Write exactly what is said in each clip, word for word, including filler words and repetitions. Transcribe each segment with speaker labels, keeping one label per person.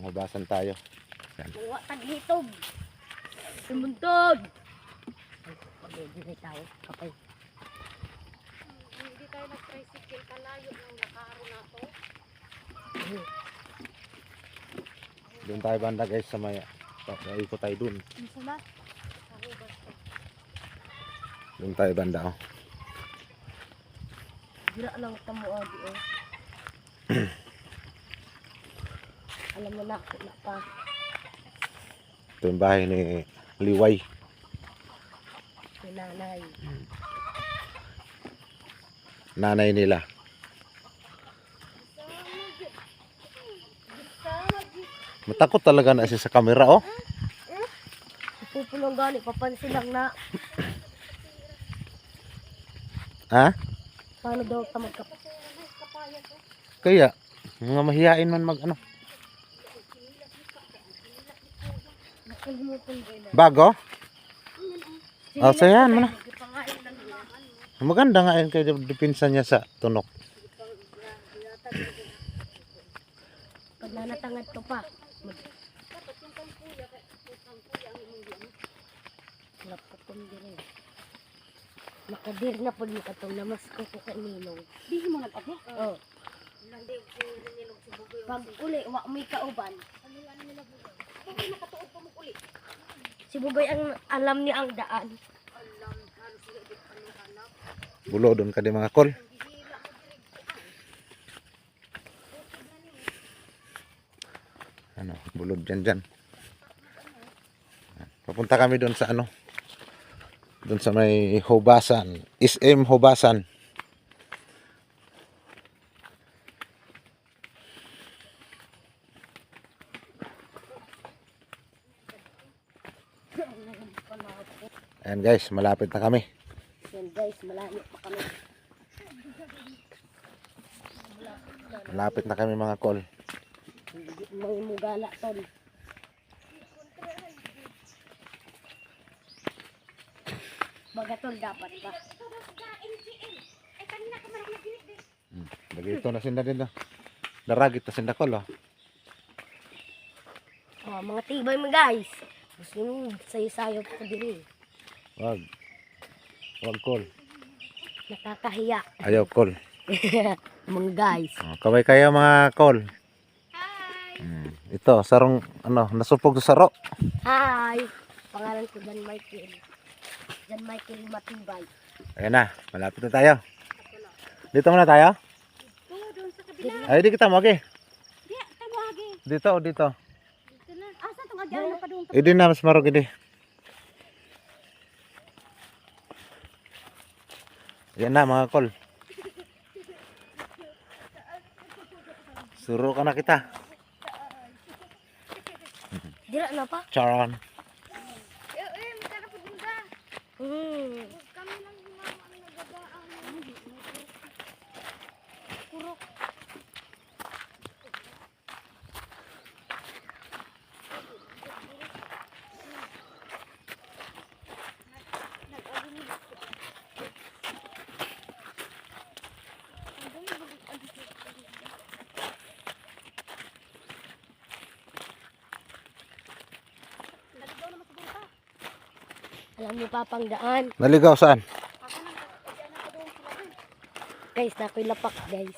Speaker 1: Hubasan tayo. Yan.
Speaker 2: Mga taghitog. Sumuntog. Pag-ibigay tayo. Kapay.
Speaker 3: Hindi tayo nag-tricycle kalayo ng nakaro na to.
Speaker 1: Doon tayo banda guys sa maya. Ikot tayo doon.
Speaker 3: Isa na? Ako ba?
Speaker 1: Doon tayo banda oh.
Speaker 2: Gira lang tamuagi eh. Alam mo na, na pa.
Speaker 1: Ito yung bahay ni Liway.
Speaker 2: Si nanay.
Speaker 1: Nanay nila. Matakot talaga na siya sa camera oh.
Speaker 2: Pupulong gani, papansin lang na.
Speaker 1: Ha?
Speaker 2: Paano daw ito magkap...
Speaker 1: Kaya, mga mahihain man mag ano. Bago? Oh, so yan mo na. Maganda nga yun kaya dipinsa niya sa tunok.
Speaker 2: Pag nanatangad to pa. Lapatong din. Nakadir na po ni katong namas ko po kay Ninong.
Speaker 3: Di mo nag-ate?
Speaker 2: Oo. Pag uli, wa may kauban.
Speaker 3: Bakit nakatuod pa mo uli?
Speaker 2: Si Bugoy ang alam niya ang daan.
Speaker 1: Bulo doon ka di mga kol. Ano, bulod dyan dyan. Papunta kami doon sa ano. Doon sa may Hubasan. S M Hubasan. Ayan guys, malapit na kami.
Speaker 2: Yan guys, malayo pa kami.
Speaker 1: Malapit na kami mga kol.
Speaker 2: May mugala ton. Bagatol dapat ba?
Speaker 1: Hmm. Dagito na sinda din na. Daragit na sinda kol oh.
Speaker 2: Oh, mga tibay mo guys. Gusto nyo sayo-sayo po din eh.
Speaker 1: Wag. Wag kol.
Speaker 2: Nakakahiya.
Speaker 1: Ayaw kol.
Speaker 2: Mga guys.
Speaker 1: Oh, kaway kayo mga kol. Hmm. Ito, sarong ano, nasupog sa saro.
Speaker 2: Hi! Pangalan ko Jan Michael. Jan Michael Matibay.
Speaker 1: Ayan na, malapit na tayo. Dito muna tayo.
Speaker 3: Oo, doon sa kabila.
Speaker 1: Ay, di kita mo, okay.
Speaker 3: Di, tawagi.
Speaker 1: Dito, dito.
Speaker 3: Dito na. Asa itong agyan na pa doon?
Speaker 1: Idi na, mas marog idi. Ayan na mga kol. Suro ka na kita.
Speaker 2: Dira na pa?
Speaker 1: Charon.
Speaker 3: Eh, eh, magkana po din ka.
Speaker 2: Hmm.
Speaker 3: Kami lang yung mga ano nagagaang. Kurok.
Speaker 2: Alam niyo pa pang daan.
Speaker 1: Naligaw saan?
Speaker 2: Guys, nakoy lapak guys.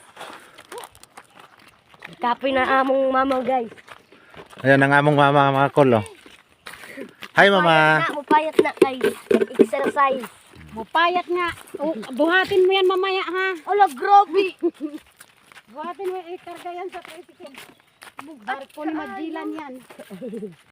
Speaker 2: Kapoy na among mama guys.
Speaker 1: Ayan ang among mama mga kol oh. Hi mama.
Speaker 2: Na, mupayat na guys. Exercise.
Speaker 3: Mupayat nga. Oh, buhatin mo yan mamaya ha.
Speaker 2: Ala, grabe.
Speaker 3: Buhatin mo, ikarga yan sa tricycle. Barko ni Magellan yan.